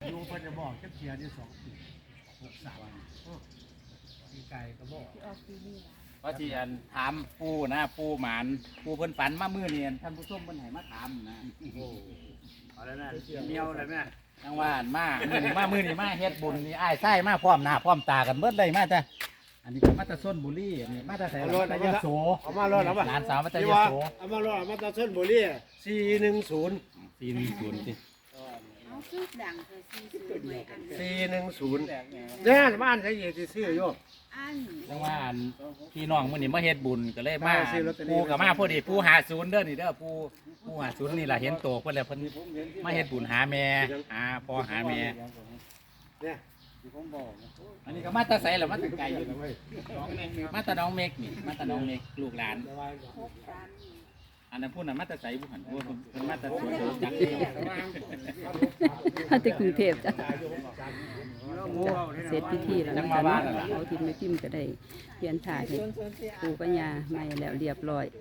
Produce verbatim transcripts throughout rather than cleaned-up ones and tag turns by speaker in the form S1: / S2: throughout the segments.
S1: ยูเพิ่นจะบอกแค่เพียนี่สองปีหกสามมีไก่ก็บอก
S2: เพราะที่อันถามปูนะปูหมานปูเพิ่นฝันมามื้อนี้ท่านผู้ชมเพิ่นให้มาถามนะ
S1: โอ้เอาแล้วนะเมียวเลยแม่
S2: จังว่าอันมามื้อนี้มามื้อนี้มาเฮ็ดบุญนี่อ้ายไส้มาพร้อมหน้าพร้อมตากันเบิดเลยมาแต่อันนี้ก็มาแต่ส้นบุรีอันนี้มาแต่ไสมาแต่ยโส
S1: เอามารถเอามา
S2: หลานสาวมาแต่ยโส
S1: เอามารถเอามาตาเส้นบุรีสี่หนึ่งศูนย์
S2: สี่หนึ่งศูนย์สิ
S3: เอาซื้อดังเธอซื้อซื้อไว้อัน
S1: สี่หนึ่งศูนย์เนี่ยบ้านใช้ยี่สิบซื้อโยม
S3: อัน
S2: จังว่าอันพี่น้องมื้อนี้มาเฮ็ดบุญก็เลยมา
S1: มาซื้อลอตเตอรี่
S2: ปูก็มาพอดีปูหาศูนย์เด้อนี่เด้อปูปูหาศูนย์นี่ล่ะเห็นโตเพิ่นแล้วเพิ่นมาเฮ็ดบุญหาแม่หาพ่อหาแม่
S1: เนี่ย
S2: อันนี้ก็มาแตาใสแล้วมาแตาไกลอยู่มาแตาน้องเมกนี่มาแตาน้องเมกลูกหลาน
S3: หกสาม
S2: อันนั้นพูดน่ะมาแตาใสบุหันพูดเพิ่นมาแตาสวนจักร
S4: ถ้าจะกรุงเทพจ้ะเสร็จพิธีแล้วนะจ๊ะเนาะเอาทิมไม่ทิมก็ได้เพียนถ่ายให้ปู่กับย่าไม่แล้วเรียบร้อย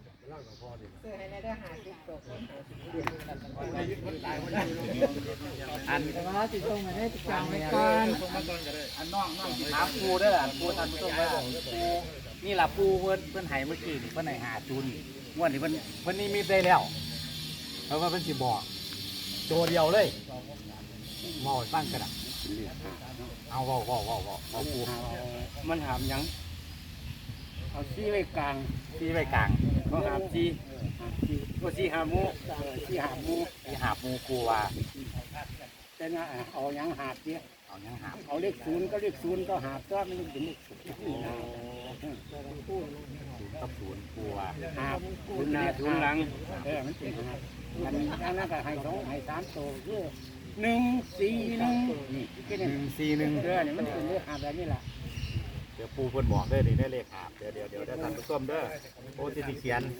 S2: อันว่าสิส่งมาให้จางไว้ก่อนอันน้องน้องถามปูเด้อปูท่านผู้ชมว่าปูนี่ล่ะปูเพิ่นเพิ่นให้เมื่อกี้นี่เพิ่นให้หาจุนงวดนี้เพิ่นเพิ่นนี่มีได้แล้วเพราะว่าเพิ่นสิบอกตัวเดียวเลยเมาให้ฟังกันอ่ะเอาเว้าเว้าเว้าเว้าเอาปู
S1: มันหามยังเอาซี่ไว้กลาง
S2: ที่ไว้กลาง
S1: เขาหามซี่ก็ซี่หามูซี่หามู
S2: ที่หาปูกูว่า
S1: แต่นะเอายังหาเสีย
S2: เอายังหา
S1: เอาเลขศูนย์ก็เลขศูนย์ก็หาตัวมันเป็นเลขศูนย์
S2: กับศูนย์ปูว่า
S1: หาศูนย์หน้าศูนย์หลังเออมันเป็นหามันอันนั้นก็ให้สองให้สามตัวคือหนึ่งสี่หนึ่งนี่แค่
S2: ห
S1: นี้
S2: นึ่งสี่หนึ่ง
S1: เออเนี่ยมันเป็นเลขหาแบบนี้แหละ
S2: เดี๋ยวปูเพิ่นบอกเด้อนี่ได้เลขหาบเดี๋ยวเดี๋ยวเดี๋ยวได้ท่านผู้ชมเด้อโอ้สิสิเขียน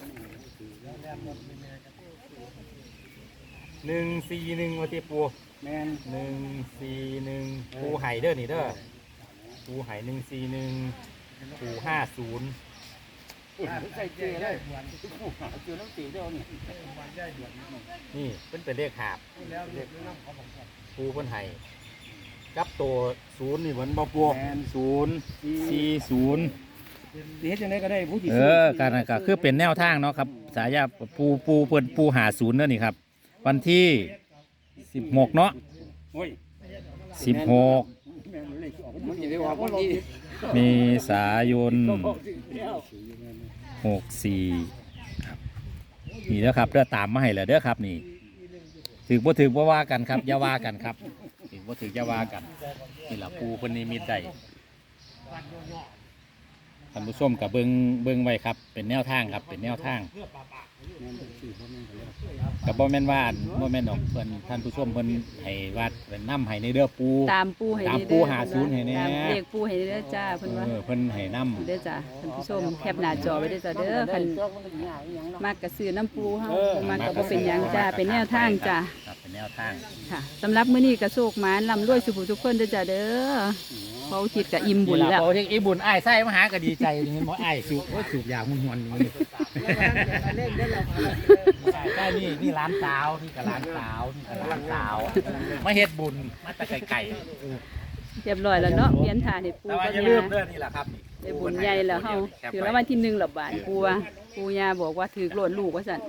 S2: หนึ่งสี่หนึ่งว่าที่ปู
S1: แมน
S2: หนึ่งสี่หนึ่งปูไห่เด้อนี่เด้อปูไห่หนึ่งสี่หนึ่งปูห้าศูนย์
S1: ใส่เจเลยเจอน้ำตีเดียวนี่
S2: นี่เป็นเป็นเลขหาบปูเพิ่นไห่กับตัวศูนย์นี่เหมือนบ่ปูศูนย์สี่ศูนย์
S1: สีเฮ็ดจังไดก็ได้ผู้ที่
S2: เออการก็คือเป็นแนวทางเนาะครับสายาปูปูเพิ่นปูหาศูนย์เด้อนี่ครับวันที่สิบหกเนาะ
S1: โอ้ย
S2: สิบหก
S1: แม่นเลขออกมันจะได้ออกวันที่
S2: เมษายน
S1: ก็บอกสิแล้ว
S2: หกสี่ครับนี่เด้อครับเด้อตามมาให้แล้วเด้อครับนี่ถือบ่ถือบ่ว่ากันครับอย่าว่ากันครับถือบ่ถืออย่าว่ากันนี่ล่ะปูเพิ่นนิมิตได้ท่านผู้ชมกับเบิ่งเบิ่งไว้ครับเป็นแนวทางครับเป็นแนวทางกับบ่แม่นว่าบ่แม่นดอกเพิ่นท่านผู้ชมเพิ่นให้วัดเป็นน้ำให้ในเด้อปู
S4: ตามปูให้
S2: ตาม
S4: ได้
S2: ปู
S4: เด้อ
S2: หาศูนย์ให้แน่
S4: ตามเลขปูให้ได้เด้อจ้าเพิ่นว่า
S2: เออเพิ่นให้น้ำ
S4: เด้อจ้าท่านผู้ชมแคปหน้าจอไว้เด้อจ้าเด้อคันมากกระซื้อน้ำปูเฮาบ่มากก็บ่เป็นหยังจ้าเป็นแนวทางจ้า
S2: ครับเป็นแนวทาง
S4: ค่ะสำหรับมื้อนี้ก็โชคหมานร่ำรวยสุขทุกคนเด้อจ้าเด้อเพราะอุทิศก็อิ่มบุญ
S2: นี่
S4: แล้
S2: ล่ะ
S4: ว
S2: พอที่อีบุญอ้ายไส้มาหาก็ดีใจนี่เห็นบ่อ้ายสูบโอ้ยสูบยาหุ่นหวนนี่ใช่นี่นี่ร้านสาวนี่ก็ร้านสาวนี่ก็ร้านสาวมาเฮ็ดบุญมาแตะไก่ๆ
S4: เรียบร้อยแล้วเนาะเปลี่ยนท่าให้ปู
S2: แต่ว่า
S4: กับ
S2: อย่าลื
S4: ย่าม
S2: เด้อนี่แหละครับ
S4: ได้บุญใหญ่แล้วเฮาถือแล้ววันที่หนึ่งละบาทปูว่าปูย่าบอกว่าถือโกรธลูกว่าซั่น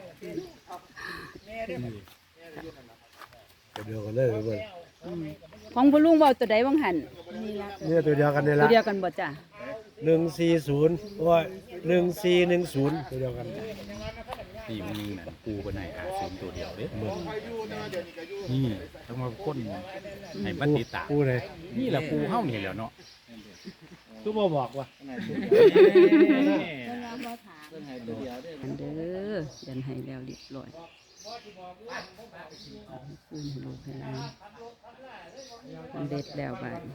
S1: เดียวกันเลยเว้ย
S4: อืมของพ่อลุงเว้าตัวใดบ้างหั่น
S1: เนี่ยตัวเดียวกันนี่
S4: ตั
S1: ละ
S4: วเดียวกันบ่จ้ะ
S1: หนึ่งสี่ศูนย์โอ้ยหนึ่งสี่หนึ่งศูนย์ตัวเดียวกัน
S2: ที่มันนี่น่ะปูเป็นไหนหาศูนย์ตัวเดียวเด้นี่ต้องมาค้นให้มันติดตาม
S1: ปูเลย
S2: นี่แหละปูเฮานี่แหล้วเนาะ
S1: ตู้บ่บอกว่า
S4: อันเด้อยันให้แล้วเรียบร้อยคืนให้ลูกให้หลานมันเด็ดแล้วบาด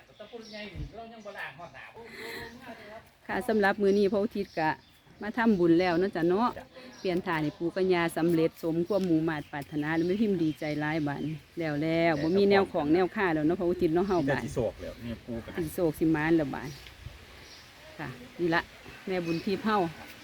S4: ค่ะสำหรับมื้อนี้พระอุทิศกะมาทำบุญแล้วเนาะจ้ะเนาะเปลี่ยนฐานให้ปู่กัญญาสำเร็จสมความมุ่งมาตรปรารถนาแล้วไม่พิมพ์ดีใจร้ายบานแล้วแล้วบ่มีแนวของแนวค่าแล้วเนาะพระอุทิศเนาะเฮา
S2: แต่
S4: บาน
S2: สิโศกแล้วนี่ปูกัน
S4: สิโศกสิมานแล้วบานค่ะนี่ละแม่บุญที่เฮา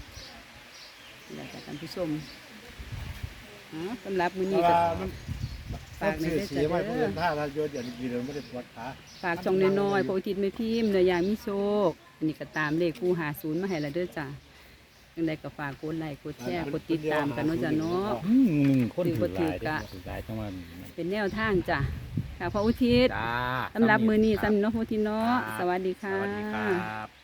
S4: นี่ละจ้ะท่านผู้ชมอ๋อสำหรับมื้อนี้ก็
S1: มัน
S4: ฝากใน
S5: ซื้อ
S4: เด้อ
S5: สี
S4: จ้ะ
S5: ไว้เพื่
S4: เด้
S5: อ
S4: อน
S5: ถ้าเราโยนอย่างนี้เราไม่ได้ปวดขา
S4: ฝากช่องน้อยๆพระอุทิศไม่พิมพ์เนื้อย่างมีโชคอันนี้ก็ตามเลขคู่หาศูนย์มาให้ละเด้อจ้ะยังไงก็ฝากกดไลค์กดแชร์กดติดตามกันเนาะจ้ะเนาะ
S6: อืมหนึ่งคน
S4: ถือว่า
S6: ถือหลาย
S4: ถือกะ
S6: ถือหลายจังว่า
S4: เป็นแนวทางจ้ะค่ะพระอุทิศ
S6: จ้า
S4: สำหรับมือนี้
S6: ครับ
S4: สำหรับพระอุทิศเนาะ
S6: ครับ
S4: สวัสดีค่ะ
S6: สวัสดีครับ